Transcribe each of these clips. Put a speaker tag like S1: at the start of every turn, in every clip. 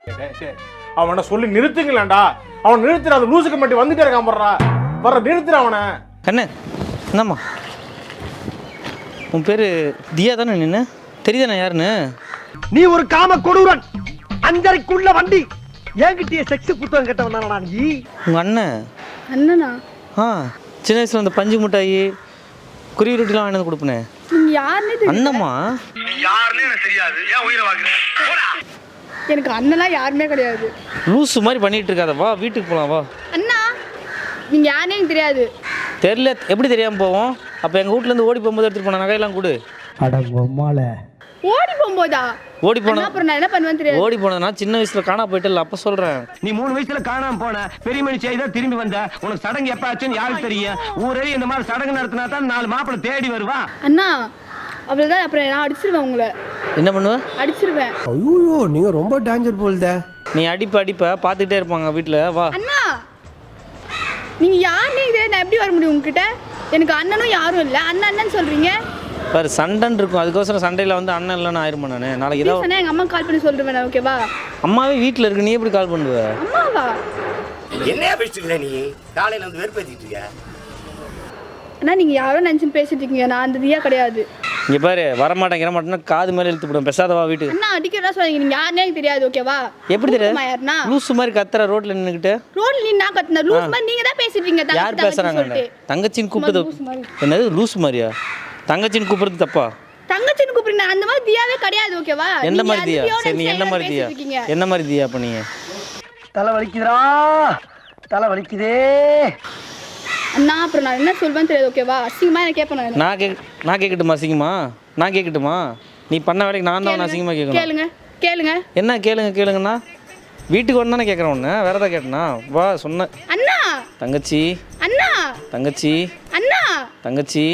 S1: அவனை சொல்லி நிறுத்துங்களேன்டா. அவன் நிறுத்துற அந்த லூசுக்கு மட்டும் வந்துட்டே இருக்கான் போடுறா. வர நிறுத்துற அவனை.
S2: கண்ணு என்னம்மா உன் பேர் தியா தானே? நின்று தெரியுதானே யாருன்னு?
S3: நீ ஒரு காம கொடூரன், அஞ்சரைக்குள்ள வண்டி. என்கிட்டயே செக்ஸ் புத்தகம் கேட்டவனா நீ?
S2: உங்கள் அண்ணன்.
S4: அண்ணனா?
S2: ஆ, சின்ன வயசில் அந்த பஞ்சு மிட்டாயி குருவி ரொட்டிலாம் வாங்கி வந்து கொடுப்பனே.
S4: நீங்க யாருன்னே தெரியல.
S2: அண்ணம்மா
S3: யாருன்னு எனக்கு தெரியாது. ஏன் உயிரை வாங்குற?
S4: எனக்கு அண்ணலாம் யாருமே கிடையாது.
S2: லூசு மாதிரி பண்ணிட்டு இருக்காத, வா வீட்டுக்கு போகலாம் வா.
S4: அண்ணா நீங்க யாருன்னே எனக்கு தெரியாது.
S2: தெரியல, எப்படி தெரியாமல் போவோம்? அப்போ எங்கள் வீட்டிலேருந்து ஓடி போகும்போது எடுத்துகிட்டு போன நகையெல்லாம் கொடு.
S4: ஓடி போகும்போதா?
S2: ஓடி போன
S4: அப்புறம் நான் என்ன பண்ணுவேன்னு தெரியாது.
S2: ஓடி போனதுனா சின்ன வயசில் காணா போயிட்டு அப்போ சொல்கிறேன்.
S3: நீ 3 வயசுல காணாம போன பெரிய மனுஷி தான் திரும்பி வந்த. உனக்கு சடங்கு எப்ப ஆச்சுன்னு யாருக்கு தெரியும்? ஊரே இந்த மாதிரி சடங்கு நடத்தினா தான் 4 மாப்பிள்ளை தேடி வருவா.
S4: அண்ணா அவ்வளவுதான். அப்புறம் நான் அடிச்சிருவேன் உங்களை.
S2: என்ன பண்ணுவ?
S4: அடிச்சிருவேன்.
S5: ஐயோ நீங்க ரொம்ப டேஞ்சர் போல்தே.
S2: நீ அடிப்ப பார்த்துக்கிட்டே இருப்பாங்க வீட்டில், வா.
S4: அண்ணா நீங்க யாருன்னே தெரியாது. நான் எப்படி வர முடியும் உங்ககிட்ட? எனக்கு அண்ணனும் யாரும் இல்லை. அண்ணன் சொல்றீங்க
S2: பாரு, சண்டைன்னு இருக்கும். அதுக்கோசரம் சண்டையில் வந்து அண்ணன் இல்லைன்னு ஆயிருமா நான்? நாளைக்கு ஏதாவது
S4: சொன்னா எங்க அம்மா கால் பண்ணி சொல்றேன். ஓகேவா?
S2: அம்மாவே வீட்டில் இருக்கு, நீ எப்படி கால் பண்ணுவ?
S4: அம்மாவா?
S6: என்னையா பேசிட்டு நீ காலையில வந்து வெறுப்பேத்திட்டு இருக்க?
S4: அண்ணா நீங்க யாரோ நினைச்சுன்னு பேசிட்டு இருக்கீங்க. நான் அந்த தியா கிடையாது.
S2: இங்கே பாரு, வரமாட்டேன்னா காது மேலே இழுத்து போடும். பெசாதவா வீட்டுக்கு.
S4: அண்ணா அடிக்கிறதா சொல்றீங்க. நீங்க யாருன்னே எனக்கு தெரியாது. ஓகேவா?
S2: எப்படி தெரியாது?
S4: யாருன்னா
S2: லூசு மாதிரி கத்துற ரோட்ல நின்னுக்கிட்டு.
S4: ரோட்ல நீ நான் கத்துன லூஸ் மாதிரி நீங்க தான் பேசிட்டு இருக்கீங்க.
S2: யார் பேசுறாங்க? தங்கச்சின்னு கூப்பிடுது. என்னது லூசு மாதிரியா? தங்கச்சின்னு கூப்பிடுறது தப்பா?
S4: தங்கச்சின்னு கூப்பிடுங்க. அந்த மாதிரி தியாவே கிடையாது. ஓகேவா?
S2: எந்த மாதிரி தியா? சரி நீ என்ன மாதிரி தியா? என்ன மாதிரி தியா அப்ப நீங்க?
S3: தலை வலிக்குதுடா, தலை வலிக்குதே.
S4: அண்ணா அப்புறம் நான் என்ன சொல்வேன்னு தெரியாது. ஓகேவா? அசிங்கமா என்ன கேட்பேன்.
S2: நான் கேட்கட்டுமா? அசிங்கமா நான் கேட்கட்டுமா? நீ பண்ண வேலைக்கு நான் தான் அசிங்கமா கேட்கணும்.
S4: கேளுங்க.
S2: என்ன கேளுங்கண்ணா? வீட்டுக்கு வந்தானே கேட்குறேன் ஒன்று, வேற ஏதாவது கேட்டனா? வா சொன்ன.
S4: அண்ணா
S2: தங்கச்சி
S4: அண்ணா
S2: தங்கச்சி
S4: அண்ணா
S2: தங்கச்சி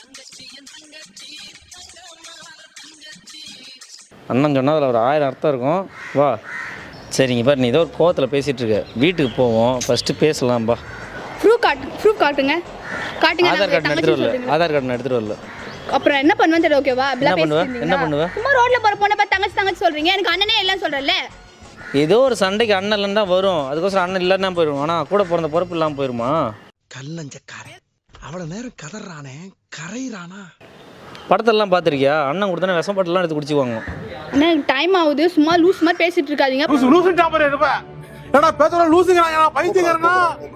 S2: அண்ணன் சொன்னால் அதில் ஒரு 1000 அர்த்தம் இருக்கும். வா. சரிங்க பாரு, நீ ஏதோ ஒரு கோவத்தில் பேசிகிட்டு இருக்க. வீட்டுக்கு போவோம், ஃபஸ்ட்டு பேசலாம்பா.
S4: ப்ரூஃப் காட்டுங்க.
S2: ஆதார் கார்டு எடுத்துகிட்டு வரல.
S4: அப்புறம் என்ன பண்ணுவேன்னு தெரியும். ஓகேவா?
S2: என்ன பண்ணுவ?
S4: சும்மா ரோட்ல போற பொண்ணை பார்த்து தங்கச்சி சொல்றீங்க. எனக்கு அண்ணனே எல்லாம் சொல்றல.
S2: ஏதோ ஒரு சண்டைக்கு அண்ணன் இல்லைன்னு தான் வரும். அதுக்கோசரம் அண்ணன் இல்லைன்னா போயிடும். ஆனால் கூட பிறந்த பொறுப்பு இல்லாமல் போயிருமா?
S5: கல்லஞ்சக்காரன் அவ்வளவு நேரம் கதறானே, கரையிறானா?
S2: படத்தெல்லாம் பார்த்துருக்கியா? அண்ணன் கொடுத்தானே விஷப்பாட்டெல்லாம் எடுத்து குடிச்சுக்குவாங்க.
S4: அண்ணா டைம் ஆகுது. சும்மா லூஸ் மாதிரி பேசிட்டு இருக்காதீங்க.
S1: லூசு டாப்பர் இருப்ப. ஏடா பேசற லூசுங்கறாங்க. பைத்தியக்காரனா?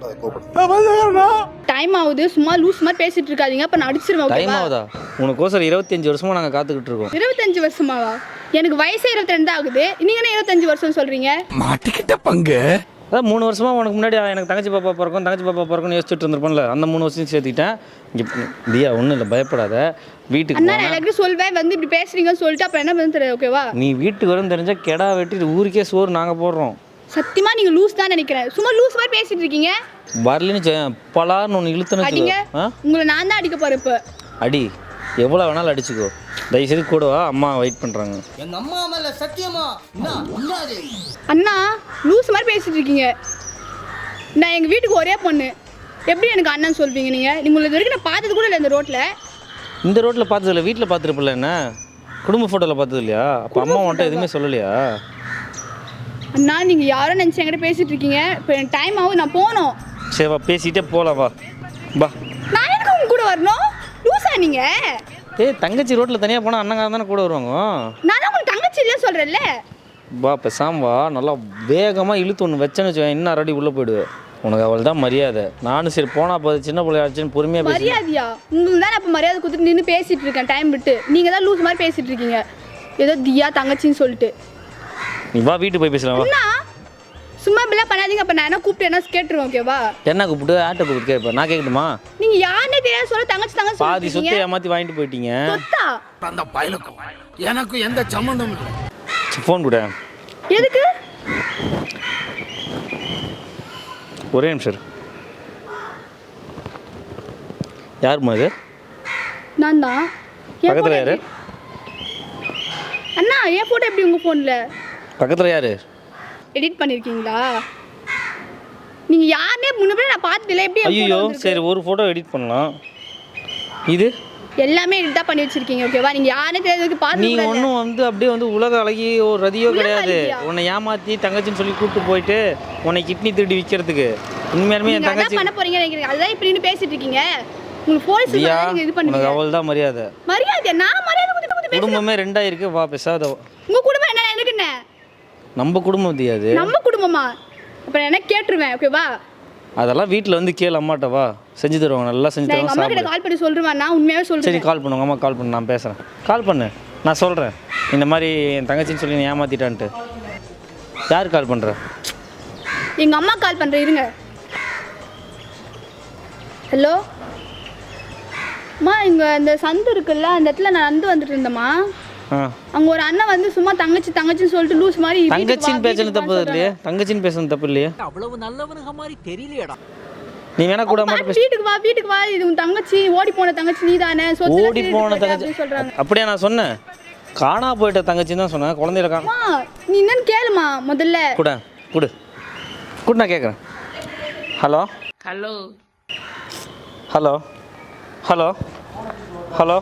S4: டைம் ஆகுது. சும்மா லூஸ் மாதிரி பேசிட்டு இருக்காதீங்க. அப்ப நான் அடிச்சிருவேன். ஓகேவா?
S2: டைம் ஆகுதா? உனக்கோசரம் 25 வருஷமா நாங்கள் காத்துக்கிட்டு இருக்கோம்.
S4: 25 வருஷமாவா? எனக்கு வயசே 22 ஆகுது. நீங்க என்ன 25 வருஷம் சொல்றீங்க?
S5: மாட்டிக்கிட்ட பங்கு.
S2: அதான் 3 வருஷமா உனக்கு முன்னாடி எனக்கு தங்கச்சி பாப்பா பிறக்கும்னு யோசிச்சுட்டு இருந்திருப்பேன்ல. அந்த 3 வருஷம் சேர்த்துக்கிட்டேன். தியா ஒன்றும் இல்லை, பயப்படாத. வீட்டுக்கு
S4: அண்ணா நான் எல்லாருக்கும் சொல்வேன் வந்து இப்படி பேசுறீங்கன்னு சொல்லிட்டு அப்புறம் என்ன பண்ண தெரியாது. ஓகேவா?
S2: நீ வீட்டுக்கு வரும் தெரிஞ்சா கெடா வெட்டி ஊருக்கே சோறு நாங்கள் போடுறோம்.
S4: சத்தியமா நீங்க லூஸ் தான் நினைக்கிறேன். சும்மா லூஸ் மாதிரி பேசிட்டு இருக்கீங்க.
S2: வரலன்னு பலார்னு ஒன்று இழுத்துன்னு
S4: அடிங்க. உங்களை நான் தான் அடிக்க போறேன். இப்போ
S2: அடி, எவ்வளோ வேணாலும் அடிச்சுக்கோ. தயவுசெய்து கூட வா, அம்மா வெயிட் பண்ணுறாங்க.
S6: எங்க அம்மா மேல சத்தியமா
S4: அண்ணா லூஸ் மாதிரி பேசிட்டு இருக்கீங்க. நான் எங்கள் வீட்டுக்கு ஒரே பொண்ணு. எப்படி எனக்கு அண்ணன் சொல்வீங்க நீங்கள்? நீங்கள் இது வரைக்கும் நான் பார்த்தது கூட இல்லை இந்த ரோட்டில்.
S2: இந்த ரோட்டில் பார்த்தது இல்லை, வீட்டில் பார்த்துருப்பில்ல. என்ன குடும்ப ஃபோட்டோவில் பார்த்தது இல்லையா? அப்போ அம்மா வந்துட்டு எதுவுமே சொல்லலையா?
S4: அண்ணா நீங்கள் யாரோ நினச்சி என்கிட்ட பேசிகிட்டு இருக்கீங்க. இப்போ எனக்கு டைம் ஆகும், நான் போகணும்.
S2: சரி வா, பேசிகிட்டே போகலாம். வா பா.
S4: நான் எனக்கு உங்க கூட வரணும்? லூஸா நீங்கள்?
S2: தங்கச்சி ரோட்டில் தனியாக போனால் அண்ணங்காரன் தானே கூட வருவாங்க.
S4: நான் தான் உங்களுக்கு தங்கச்சி இல்லையா சொல்கிறேன்ல.
S2: வா பேசாம வா. நல்லா வேகமாக இழுத்து ஒன்று வச்சேன்னு வச்சுக்கேன், இன்னும் அரடி உள்ளே போயிடுவேன். உனக்கு அவள் தான் மரியாதை. நானும் சரி போனால் போது சின்ன பிள்ளையாச்சுன்னு பொறுமையாக பேசி.
S4: மரியாதையா? உங்களுக்கு தான் நான் இப்போ மரியாதை கொடுத்துட்டு நின்று பேசிகிட்டு இருக்கேன் டைம் விட்டு. நீங்கள் தான் லூஸ் மாதிரி பேசிகிட்டு இருக்கீங்க. ஏதோ தியா தங்கச்சின்னு சொல்லிட்டு.
S2: நீ வா, வீட்டுக்கு போய் பேசலாம். வா.
S4: சும்மா இப்படிலாம் பண்ணாதீங்க. அப்போ நான் என்ன கூப்பிட்டு என்ன கேட்டுருவேன். ஓகேவா?
S2: என்ன கூப்பிட்டு? ஆட்டோ கூப்பிட்டு கேட்பேன். நான் கேட்கட்டுமா?
S4: நீங்கள் யாருன்னே தெரியாது சொல்ல தங்கச்சி
S2: பாதி சொத்தை ஏமாற்றி வாங்கிட்டு போயிட்டீங்க.
S4: சொத்தா?
S5: அந்த பயலுக்கும் எனக்கும் எந்த சம்மந்தம் இல்லை.
S2: ஃபோன் கூட.
S4: எதுக்கு?
S2: ஒரே நிமிஷம். யாருமா இது?
S4: நான் தான்.
S2: பக்கத்தில் யாரு?
S4: அண்ணா என் ஃபோட்டோ எப்படி உங்கள் ஃபோனில்?
S2: பக்கத்தில் யாரு?
S4: எடிட் பண்ணியிருக்கீங்களா? நீங்கள் யாருனே முன்னாடி நான் பார்த்ததில்ல. எப்படி?
S2: ஐயோ சரி, ஒரு ஃபோட்டோ எடிட் பண்ணலாம். இது
S4: எல்லாமே இதுதான் பண்ணி வச்சிருக்கீங்க ஓகேவா? நீங்க யாருனே தெரியாததுக்கு
S2: நீ
S4: பாத்து
S2: ஒன்றும் வந்து அப்படியே வந்து உலக அழகி ஒரு ரதியோ
S4: உலக
S2: கிடையாது.
S4: அழகியா?
S2: உன்னை ஏமாற்றி தங்கச்சின்னு சொல்லி கூப்பிட்டு போயிட்டு உன்னை கிட்னி திருடி விற்கிறதுக்கு. உண்மையாலுமே என்
S4: நீங்க அதான்
S2: தங்கச்சி
S4: பண்ண போறீங்க நினைக்கிறீங்க. அதான் இப்படி நின்னு பேசிட்டு இருக்கீங்க. உங்களுக்கு போலீஸ்
S2: தியா,
S4: நீங்க இது
S2: உனக்கு
S4: பண்ணுவீங்க.
S2: அவள் தான் மரியாதை.
S4: மரியாதை நான் மரியாதை கொடுத்து பேசுறேன்.
S2: குடும்பமே ரெண்டாயிருக்கு, வா பேசாத.
S4: உங்க குடும்பம் என்ன எனக்கு என்ன?
S2: நம்ம குடும்பம் தியாது.
S4: நம்ம குடும்பமா? அப்புறம் என்ன கேட்டுருவேன் ஓகேவா?
S2: அதெல்லாம் வீட்டில் வந்து கேளு, அம்மாட்ட வா, செஞ்சு தருவாங்க, நல்லா செஞ்சு
S4: நான் எங்க
S2: தருவாங்க,
S4: அம்மா கிட்ட
S2: சாப்பிடு.
S4: கால் பண்ணி சொல்றேன். நான் உண்மையாவே
S2: சரி
S4: சொல்றேன்.
S2: கால் பண்ணு, உங்கள் அம்மா கால் பண்ணு, நான் பேசுகிறேன். கால் பண்ணு, நான் சொல்கிறேன். இந்த மாதிரி என் தங்கச்சின்னு சொல்லி நீ ஏமாற்றிட்டான்ட்டு. யார் கால் பண்ணுற?
S4: எங்க அம்மா கால் பண்றேன் இருங்க. ஹலோ அம்மா, இங்க இந்த சந்து இருக்குல்ல, அந்த இடத்துல நான் நடந்து வந்துட்டு இருந்தேம்மா.
S2: ஆ,
S4: அங்க ஒரு அண்ணன் வந்து சும்மா தங்கச்சின்னு சொல்லிட்டு லூஸ் மாதிரி வீட்டுக்கு வா,
S2: தங்கச்சின்னு பேசுறது
S4: வீட்டுக்கு
S2: தப்பு
S4: வான்னு
S2: இல்லையே? தங்கச்சின்னு பேசுறது தப்பு இல்லையே?
S7: அவ்வளவு நல்லவனுங்க மாதிரி தெரியலையடா.
S2: நீ வேணா கூட
S4: சொல்றாங்க.
S2: மாட்ட பேச.
S4: வீட்டுக்கு வா, இது உன் தங்கச்சி, ஓடி போன தங்கச்சி நீதானே, சொத்து
S2: ஓடி போன தங்கச்சி
S4: சொல்றாங்க.
S2: அப்படியே நான் சொன்னேன். காணா போயிட்ட தங்கச்சின்னு தான் சொன்னேன். குழந்தையில காணா.
S4: அம்மா நீ என்னன்னு கேளுமா முதல்ல.
S2: கூட கொடு கொடு, நான் கேட்குறேன். Hello
S8: hello
S2: hello hello hello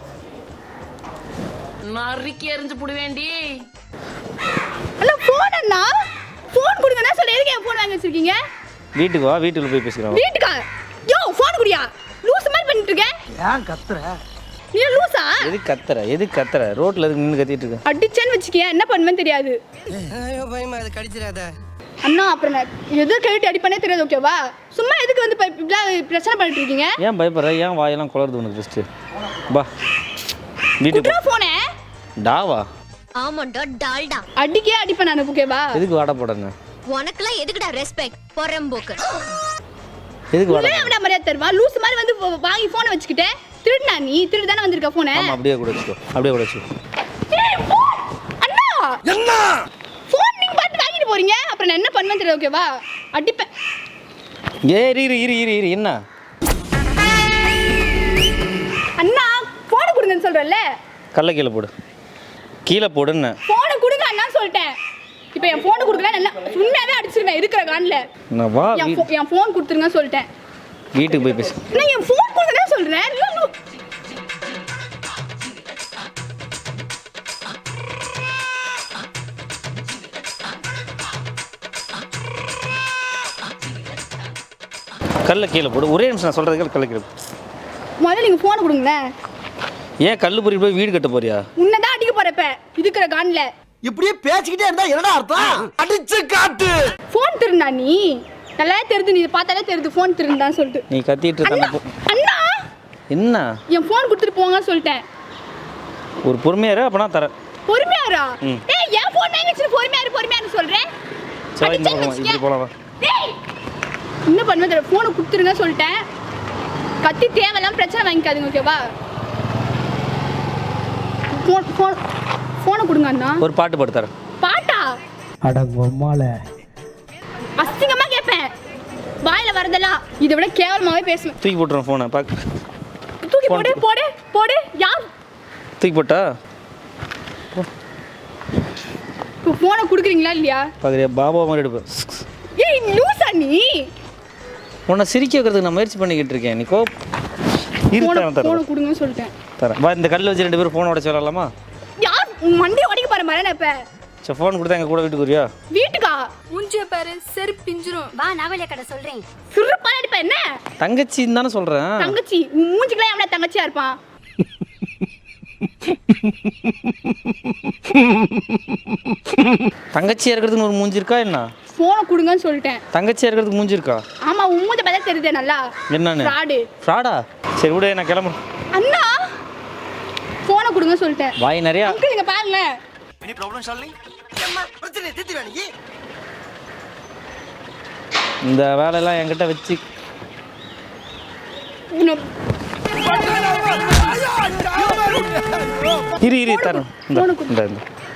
S8: நறுக்கி எறிஞ்சு புடுவேண்டி.
S4: ஹலோ போன் அண்ணா, போன் கொடுங்கண்ணா சொல்ல. எதுக்கு என் போன் வாங்கி வச்சிருக்கீங்க?
S2: வீட்டுக்கு வா, வீட்டுக்கு போய் பேசிக்கிறோம்.
S4: வீட்டுக்கா? யோ போன் குடியா, லூஸ் மாதிரி பண்ணிட்டு இருக்க.
S7: ஏன் கத்துற?
S4: நீ லூசா?
S2: எது கத்துற ரோட்ல எதுக்கு நின்று கத்திட்டு இருக்க?
S4: அடிச்சேன்னு வச்சுக்கியா என்ன பண்ணுவேன்னு தெரியாது.
S5: ஐயோ பயமா அது கடிச்சிடாத.
S4: அண்ணா அப்புறம் நான் எது கேட்டு அடிப்பனே தெரியாது ஓகேவா? சும்மா எதுக்கு வந்து பிரச்சனை பண்ணிட்டு இருக்கீங்க?
S2: ஏன் பயப்படுற? ஏன் வாயெல்லாம் குளருது உனக்கு? ஃபஸ்ட்டு பா வீட்டுக்கு
S4: குட்ரா போனே
S2: டாவா.
S9: ஆமாண்டா டால்டா.
S4: அடிக்கே அடிப்பேன் நான் ஓகேவா?
S2: எதுக்கு வாட போடுங்க?
S9: உனக்குலாம் எதுக்குடா ரெஸ்பெக்ட் பொறம்போக்கு?
S2: எதுக்கு வாட?
S4: உள்ளே அவன மரியாதை தருவா. லூஸ் மாதிரி வந்து வாங்கி போனை வச்சுக்கிட்டே திருடுனா நீ? திருடு தானே வந்திருக்க போனை.
S2: ஆமா, அப்படியே கூட வச்சுக்கோ, அப்படியே கூட வச்சுக்கோ.
S4: அண்ணா
S5: என்ன
S4: போன் நீங்க பார்த்து வாங்கிட்டு போறீங்க, அப்புறம் நான் என்ன பண்ணுவேன்னு தெரியல ஓகேவா? அடிப்பேன்.
S2: இரு என்ன?
S4: அண்ணா போனை கொடுங்கன்னு சொல்றேன்ல.
S2: கல்ல கீழே போடுன்னு.
S4: போனை கொடுங்க அண்ணா சொல்லிட்டேன். இப்போ என் போனை கொடுக்கல நல்லா உண்மையாவே அடிச்சிருவேன் இருக்கிற கான்ல.
S2: நான் வா
S4: என் போன் கொடுத்துருங்க சொல்லிட்டேன்.
S2: வீட்டுக்கு போய் பேசு.
S4: நான் என் போன் கொடுங்கன்னு சொல்றேன்.
S2: கல்ல கீழே போடு. ஒரே நிமிஷம் நான் சொல்கிறதுக்கு கல்ல கீழே போடு.
S4: முதல்ல நீங்க போனை கொடுங்களேன்.
S2: ஏன் கல்லு பொறி போய் வீடு கட்ட போறியா?
S4: உன்னதான் அடிக்க போறப்ப இருக்கிற கான்ல.
S5: இப்படியே பேசிக்கிட்டே இருந்தா என்னடா அர்த்தம்? அடிச்சு காட்டு.
S4: போன் திருந்தா நீ? நல்லா தெரியுது, நீ பார்த்தாலே தெரியுது போன் திருந்தான்னு சொல்லிட்டு.
S2: நீ கத்திட்டு
S4: அண்ணா
S2: இருக்க.
S4: அண்ணா
S2: என்ன?
S4: என் போன் கொடுத்துட்டு போங்கன்னு சொல்லிட்டேன்.
S2: ஒரு பொறுமையாரு, அப்பனா தரேன்.
S4: பொறுமையாரா? ஏய் என் போன் வாங்கி வச்சு பொறுமையாரு சொல்றேன்.
S2: சரி இந்த பக்கம் இப்படி போலாம் வா.
S4: டேய் என்ன பண்ணுவேன் தெரியல. போனை கொடுத்துருங்க சொல்லிட்டேன். கத்தி தேவையில்லாம பிரச்சனை வாங்கிக்காதீங்க ஓகேவா? போனை கொடுங்க அண்ணா.
S2: ஒரு பாட்டு பாட்டு தரேன்.
S4: பாட்டா?
S7: அட பொம்மால.
S4: அசிங்கமா கேட்பேன். வாயில வரதெல்லாம் இதை விட கேவலமாவே பேசுவேன்.
S2: தூக்கி போட்டுறேன் ஃபோனை. பாக்கு
S4: தூக்கி போடு. யார்
S2: தூக்கி போட்டா?
S4: இப்போ போனை கொடுக்குறீங்களா இல்லையா?
S2: பார்க்குறியா? பாபா மாதிரி எடுப்பேன்.
S4: ஏய் லூசா நீ?
S2: உன்னை சிரிக்க வைக்கிறதுக்கு நான் முயற்சி பண்ணிக்கிட்டு இருக்கேன். நீ
S4: போனை
S2: தரேன்
S4: கொடுங்கன்னு சொல்லிட்டேன்.
S2: தரேன். வா இந்த கல்லை வச்சு 2 பேரும் ஃபோனை உடச்சு விளாட்லாமா?
S4: யார் மண்டையை உடைக்க பாரு மாதிரி நான் இப்ப.
S2: சரி ஃபோன் கொடுத்தா எங்கள் கூட வீட்டுக்கு வரியா?
S4: வீட்டுக்கா?
S9: மூஞ்சிய பாரு செரு பிஞ்சிரும். வா நாவலிய கடை சொல்றேன்.
S4: சிறுப்பான அடிப்ப என்ன?
S2: தங்கச்சின்னு தானே சொல்கிறேன்.
S4: தங்கச்சி உன் மூஞ்சிக்கெல்லாம் எவனா தங்கச்சியா இருப்பான்?
S2: தங்கச்சியா இருக்கிறதுக்கு ஒரு மூஞ்சி இருக்கா என்ன?
S4: போனை கொடுங்கன்னு சொல்லிட்டேன்.
S2: தங்கச்சியா இருக்கிறதுக்கு மூஞ்சி இருக்கா?
S4: ஆமா உன் மூஞ்ச பார்த்தா தெரியுதே நல்லா.
S2: என்னன்னு? ஃப்ராடா? சரி விடு, நான் கிளம்புறேன்.
S4: அண்ணா போனை கொடுங்க சொல்லிட்டேன்.
S2: வாய் நிறையா.
S4: அங்கிள் இங்க பாருங்களேன்.
S5: Any problem Shalini? அம்மா பிரச்சனை தீர்த்து வேணி.
S2: இந்த வேலையெல்லாம் என்கிட்ட வச்சு இரு தரேன். இந்த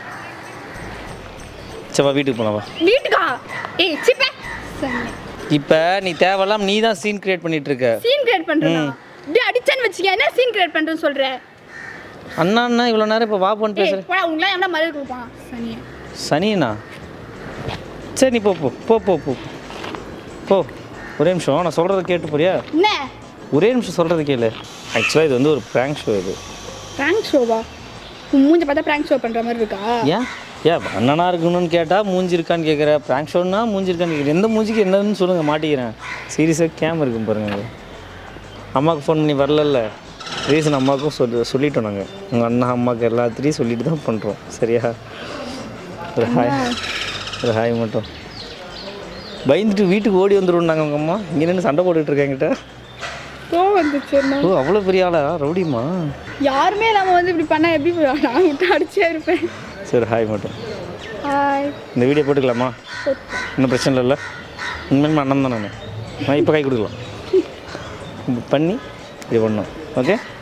S2: சவா வீட்டுக்கு போலாம் வா.
S4: வீட்டுக்கா? ஏய் சிப்பே.
S2: இப்போ நீ தேவையில்லாம நீ தான் சீன் கிரியேட் பண்ணிட்டு இருக்க.
S4: சீன் கிரியேட் பண்றேனா? டேய் அடிச்சேன்னு வெச்சிக்க. என்ன சீன் கிரியேட் பண்றேன்னு சொல்ற?
S2: அண்ணா இவ்வளோ நேரம் இப்போ வா போன்னு பேசுகிறேன்.
S4: போடா உங்களை என்ன மரியாதை கொடுப்பான் சனியே.
S2: சனினா? சரி நீ போ போ போ போ போ போ. ஒரே நிமிஷம் நான் சொல்கிறத கேட்டு போறியா?
S4: என்ன?
S2: ஒரே நிமிஷம் சொல்கிறத கேளு. ஆக்சுவலாக இது வந்து ஒரு ப்ராங்க் ஷோ இது.
S4: ப்ராங்க் ஷோவா? உன் மூஞ்ச பார்த்தா ப்ராங்க் ஷோ பண்ணுற மாதிரி இருக்கா?
S2: ஏன் அண்ணனாக இருக்கணும்னு கேட்டால் மூஞ்சி இருக்கான்னு கேட்குறேன், ப்ராங்க் ஷோன்னா மூஞ்சி இருக்கான்னு கேட்குறேன். எந்த மூஞ்சிக்கு என்னன்னு சொல்லுங்கள், மாட்டிக்கிறேன். சீரியஸாக கேம் இருக்கும் பாருங்கள். அம்மாவுக்கு ஃபோன் பண்ணி வரல ரீசன் அம்மாவுக்கும் சொல்லிட்டோம் நாங்கள். உங்கள் அண்ணா அம்மாவுக்கு எல்லாத்தையும் சொல்லிட்டு தான் பண்ணுறோம். சரியா? ஒரு ஹாய் மட்டும். பயந்துட்டு வீட்டுக்கு ஓடி வந்துடுவோம் நாங்கள். உங்கள் அம்மா இங்கே நின்று சண்டை போட்டுட்ருக்காங்கிட்ட. ஓ அவ்வளோ பெரிய ஆளா? ரவுடிமா?
S4: யாருமே இல்லாமல் வந்து இப்படி பண்ணால் எப்படி நான் விட்டு அடிச்சே இருப்பேன்.
S2: சரி ஹாய் மட்டும்.
S4: ஹாய்.
S2: இந்த வீடியோ போட்டுக்கலாமா? இன்னும் பிரச்சனை இல்லைல்ல? உண்மையுமே அண்ணன் தான் நான் இப்போ கை கொடுக்கலாம் பண்ணி இது பண்ணோம். ஓகே.